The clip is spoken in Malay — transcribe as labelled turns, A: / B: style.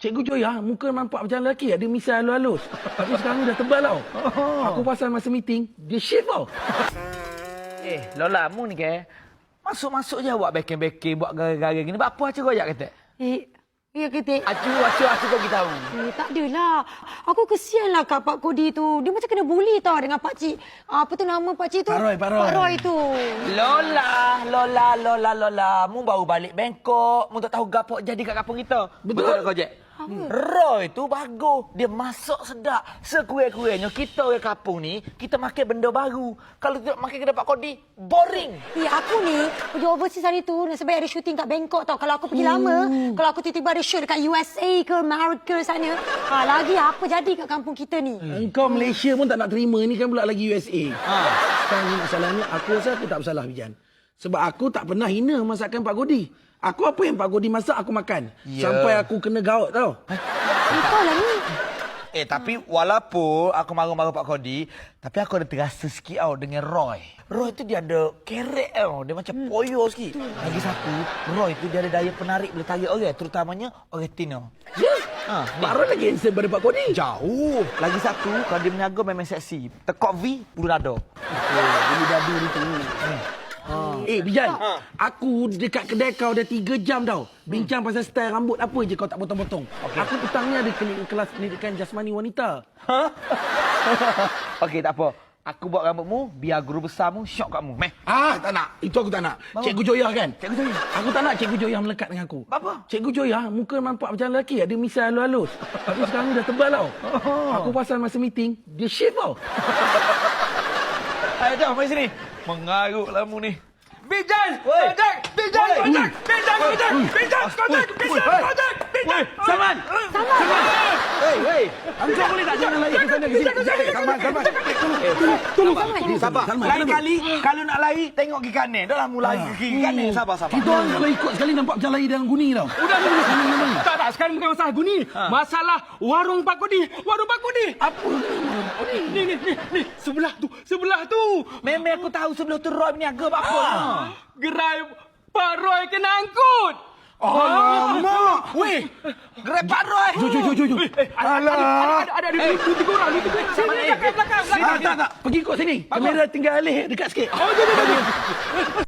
A: Cikgu Joya, muka nampak macam lelaki, ada misai halus-halus. Tapi sekarang dah tebal tau. Aku pasal masa meeting, dia shave tau.
B: Lola, mu ni ke? Masuk-masuk je buat backing-backing, buat gara-gara gini. Buat apa acu royak kata?
C: Ya ketik.
B: Acu kau kita tahu.
C: Tak adalah. Aku kesianlah kat Pak Kodi tu. Dia macam kena bully tau dengan Pak Cik. Apa tu nama Pak Cik tu?
A: Pak
C: Roy tu.
B: Lola. Mu baru balik Bangkok. Mu tak tahu gapo jadi kat kampung kita. Betul tak kau, Jack? Roy tu bagus. Dia masak sedap. Sekurang-kurangnya kita orang kampung ni, kita makan benda baru. Kalau tidak makan kedai Pak Kodi, boring.
C: Aku ni pergi overseas hari tu sebab ada syuting kat Bangkok tau. Kalau aku pergi lama, kalau aku tiba-tiba ada shoot dekat USA ke Amerika sana, lagi apa jadi kat kampung kita ni?
A: Engkau Malaysia pun tak nak terima, ni kan pula lagi USA. Sekarang ni masalahnya, aku rasa aku tak bersalah, Bijan. Sebab aku tak pernah hina masakan Pak Kodi. Aku apa yang Pak Kodi masak, aku makan. Sampai aku kena gaut tau.
C: Kau lah ni.
B: Tapi walaupun aku marah-marah Pak Kodi, tapi aku ada terasa sikit tau dengan Roy. Roy tu dia ada kerek tau. Dia macam poyo sikit. Lagi satu, Roy tu dia ada daya penarik boleh tarik orang. Terutamanya orang Tino.
A: Pak Roy lagi handsome daripada Pak Kodi.
B: Jauh. Lagi satu, kalau dia berniaga memang seksi. Tekok V, bulu dada.
A: Bulu dadu ni tu. Bijan, aku dekat kedai kau dah 3 jam tau. Bincang pasal style rambut apa je kau tak potong-potong. Aku petang ni ada kelas pendidikan jasmani wanita.
B: Okey, tak apa. Aku buat rambutmu, biar guru besarmu syok kat mu. Meh.
A: Tak nak. Itu aku tak nak. Cikgu Joya kan? Cikgu Joya. Aku tak nak Cikgu Joya melekat dengan aku.
B: Apa?
A: Cikgu Joya, muka nampak macam lelaki, ada misai halus-halus. Tapi sekarang dah tebal tau. Aku pasal masa meeting, dia shave tau.
B: Ayo, jom, mari sini. Mengarutlah mu ni.
D: Bijan!
A: Salman! Hei! Engkau boleh tak jangan lari ke sana ke sini? Salman! Tolong!
B: Sabar. Lain-kali, kalau nak lari, tengok ke kanan. Dah lah mu lari ke kiri kanan. Sabar.
A: Kita orang kalau ikut sekali nampak macam lari dalam guni tau.
D: Udah. Tak. Sekarang bukan masalah guni. Masalah warung Pak Kodi.
A: Apa?
D: Ni. Sebelah tu.
B: Memang aku tahu sebelum tu Roy berniaga buat apa.
D: Gerai Pak Roy kena angkut.
A: Alamak!
B: Weh, gerai Pak Roy.
A: Jom.
D: Ada tiga orang. Sini belakang.
A: Tak. Pergi ikut sini. Kamera tinggal alih dekat sikit.
D: Jom.